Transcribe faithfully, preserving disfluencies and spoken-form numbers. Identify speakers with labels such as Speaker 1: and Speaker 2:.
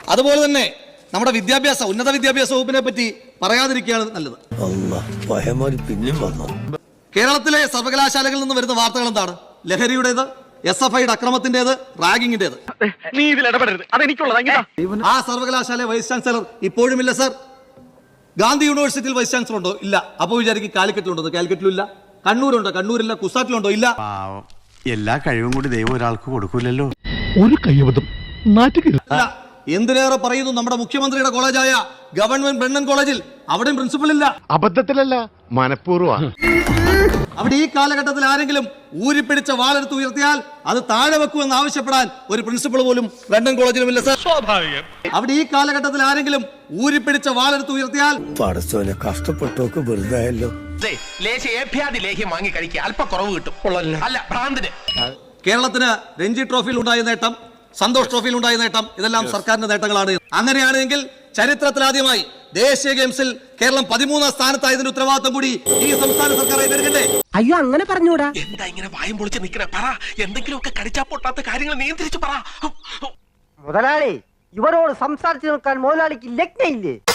Speaker 1: അതുപോലെ തന്നെ നമ്മുടെ വിദ്യാഭ്യാസ ഉന്നത വിദ്യാഭ്യാസ വകുപ്പിനെ പറ്റി പറയാതിരിക്കുകയാണ് നല്ലത്. കേരളത്തിലെ സർവകലാശാലകളിൽ നിന്ന് വരുന്ന വാർത്തകൾ എന്താണ്? ലഹരിയുടേത്, എസ് എഫ് ഐയുടെ അക്രമത്തിന്റേത്, റാഗിങ്ങിന്റേത്.
Speaker 2: നീ ഇതിൽ ഇടപെടരുത്, അതെനിക്കുള്ളത്.
Speaker 1: ആ സർവകലാശാല വൈസ് ചാൻസലർ ഇപ്പോഴും ഇല്ല സർ. ഗാന്ധി യൂണിവേഴ്സിറ്റിയിൽ വൈസ് ചാൻസലർ ഉണ്ടോ? ഇല്ല. അപ്പൊ വിചാരിക്കും കാലിക്കറ്റിലുണ്ടോ? കാലിക്കറ്റിലും ഇല്ല. കണ്ണൂരുണ്ടോ? കണ്ണൂരില്ല. കുസാറ്റിലുണ്ടോ? ഇല്ല.
Speaker 3: എല്ലാ കഴിവും കൂടി ദൈവം ഒരാൾക്ക് കൊടുക്കൂലല്ലോ.
Speaker 4: ഒരു കൈവതം നാറ്റുകില്ല.
Speaker 1: എന്തിനേറെ പറയുന്നു, നമ്മുടെ മുഖ്യമന്ത്രിയുടെ കോളേജായ ഗവൺമെന്റ് ബ്രണ്ണൻ കോളേജിൽ അവിടെയും പ്രിൻസിപ്പൽ ഇല്ല.
Speaker 4: അബദ്ധത്തിലല്ല, മനഃപൂർവ്വം.
Speaker 1: അവിടെ ഈ കാലഘട്ടത്തിൽ ആരെങ്കിലും ഊരിപ്പിടിച്ച വാളെടുത്ത് ഉയർത്തിയാൽ അത് താഴെ വെക്കുമെന്ന് ആവശ്യപ്പെടാൻ ഒരു പ്രിൻസിപ്പൾ പോലും ബ്രണ്ണൻ കോളേജിലും ഇല്ല സർ.
Speaker 2: സ്വാഭാവികം.
Speaker 1: അവിടെ ഈ കാലഘട്ടത്തിൽ ആരെങ്കിലും ഊരിപ്പിടിച്ച വാളെടുത്ത് ഉയർത്തിയാൽ
Speaker 5: പടച്ചോനെ കഷ്ടപ്പെട്ടോക്ക് വെറുതായല്ലോ.
Speaker 6: ലേഹ്യം വാങ്ങി കഴിക്കുക, അല്പ കുറവ് കിട്ടും. അല്ല ഭ്രാന്തിന്.
Speaker 1: കേരളത്തിന് രഞ്ജി ട്രോഫിയിൽ ഉണ്ടായ നേട്ടം, സന്തോഷ് ട്രോഫിയിൽ ഉണ്ടായ നേട്ടം, ഇതെല്ലാം സർക്കാരിന്റെ നേട്ടങ്ങളാണ്. അങ്ങനെയാണെങ്കിൽ ചരിത്രത്തിലാദ്യമായി ദേശീയ ഗെയിംസിൽ കേരളം പതിമൂന്നാം സ്ഥാനത്തായതിന്റെ ഉത്തരവാദിത്വം കൂടി ഈ സംസ്ഥാന സർക്കാർ ഏറ്റെടുക്കട്ടെ.
Speaker 7: അയ്യോ അങ്ങനെ പറഞ്ഞൂടാ.
Speaker 6: എന്താ ഇങ്ങനെ വായും പൊളിച്ച് നിൽക്കണേ? പറ, എന്തെങ്കിലുമൊക്കെ കടിച്ചാ പൊട്ടാത്ത കാര്യങ്ങൾ നിയന്ത്രിച്ചു പറ.
Speaker 7: മുതലാളി, ഇവരോട് സംസാരിച്ചു നിൽക്കാൻ മുതലാളിക്ക് ലഗ്നയില്ലേ?